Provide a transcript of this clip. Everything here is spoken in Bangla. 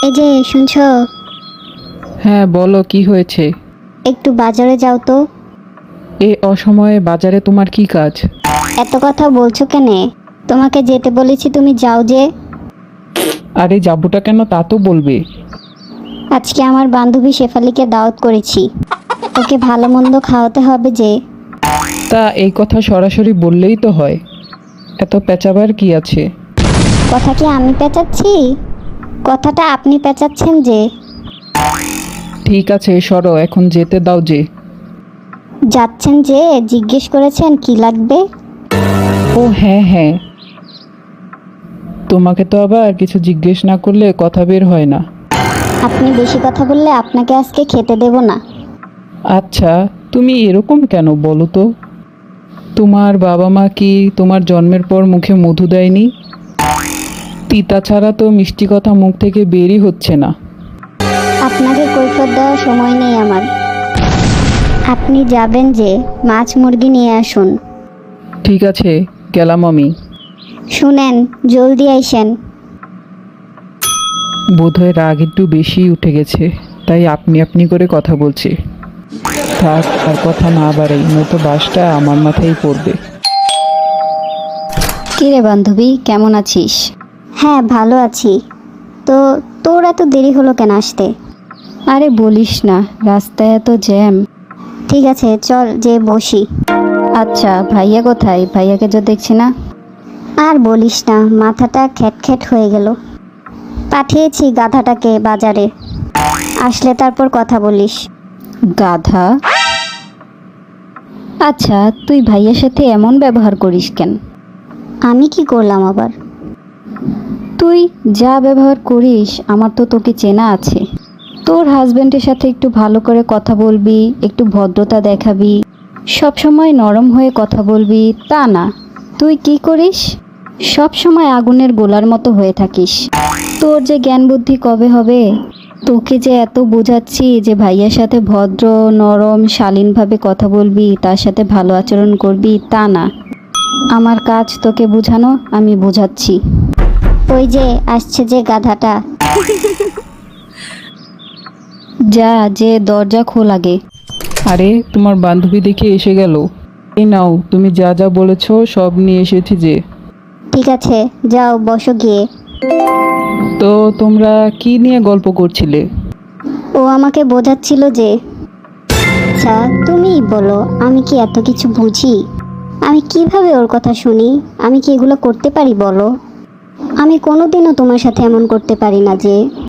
এই যে শুনছো, হ্যাঁ বলো, কি হয়েছে? একটু বাজারে যাও তো। এ অসময়ে বাজারে তোমার কি কাজ? এত কথা বলছো কেনে? তোমাকে যেতে বলেছি, তুমি যাও যে। আরে যাবোটা কেন তা তো বলবে। আজকে আমার বান্ধবী শেফালিকে দাওয়াত করেছি, ওকে ভালো মন্দ খাওয়াতে হবে যে। তা এই কথা সরাসরি বললেই তো হয়, এত পেঁচাবার কি আছে? কথা কি আমি পেঁচাচ্ছি? কথাটা আপনি পেঁচাচ্ছেন যে। ঠিক আছে সরো, এখন যেতে দাও যে। যাচ্ছেন যে, জিজ্ঞেস করেছেন কি লাগবে। ও হ্যাঁ হ্যাঁ, তোমাকে তো আবার কিছু জিজ্ঞেস না করলে কথা বের হয় না। আপনি বেশি কথা বললে আপনাকে আজকে খেতে দেব না। আচ্ছা, তুমি এরকম কেন বলো তো? তোমার বাবা মা কি তোমার জন্মের পর মুখে মধু দেয়নি? তিতা ছাড়া তো মিষ্টি কথা মুখ থেকে বেরই হচ্ছে না। আপনাকে কৈফিয়ত দেওয়ার সময় নেই আমার। আপনি যাবেন যে, মাছ মুরগি নিয়ে আসুন। ঠিক আছে, গেলাম আমি। শুনেন, জলদি আইসেন। বোধহয় রাগ একটু বেশি উঠে গেছে, তাই আপনি আপনি করে কথা বলছি। থাক, আর কথা না বাড়াই, নয়তো বাসটা আমার মাথায় পড়বে। কিরে বান্ধবী, কেমন আছিস? হ্যাঁ ভালো আছি। তো তোর এত দেরি হলো কেন আসতে? আরে বলিস না, রাস্তায় এত জ্যাম। ঠিক আছে চল যে বসি। আচ্ছা ভাইয়া কোথায়? ভাইয়াকে তো দেখছি না। আর বলিস না, মাথাটা খ্যাট হয়ে গেল। পাঠিয়েছি গাধাটাকে বাজারে, আসলে তারপর কথা বলিস। গাধা? আচ্ছা, তুই ভাইয়ার সাথে এমন ব্যবহার করিস কেন? আমি কি করলাম আবার? তুই যা ব্যবহার করিস আমার তো তোকে চেনা আছে। তোর হাজবেন্ডের সাথে একটু ভালো করে কথা বলবি, একটু ভদ্রতা দেখাবি, সব সময় নরম হয়ে কথা বলবি, তা না। তুই কি করিস? সব সময় আগুনের গোলার মতো হয়ে থাকিস। তোর যে জ্ঞান বুদ্ধি কবে হবে? তোকে যে এত বোঝাচ্ছি যে ভাইয়ার সাথে ভদ্র নরম শালীনভাবে কথা বলবি, তার সাথে ভালো আচরণ করবি, তা না। আমার কাজ তোকে বোঝানো, আমি বোঝাচ্ছি। ওই যে আসছে যে গাধাটা। যা, যে দরজা খোল আগে। আরে তোমার বান্ধবী দেখে এসে গেল। এই নাও, তুমি যা যা বলেছো সব নিয়ে এসেছি যে। ঠিক আছে যাও বসো গিয়ে। তো তোমরা কি নিয়ে গল্প করছিলে? ও আমাকে বোঝাচ্ছিল যে। আচ্ছা তুমিই বলো, আমি কি এত কিছু বুঝি? আমি কিভাবে ওর কথা শুনি? আমি কি এগুলো করতে পারি বলো? আমি কোনোদিনও তোমার সাথে এমন করতে পারি না যে।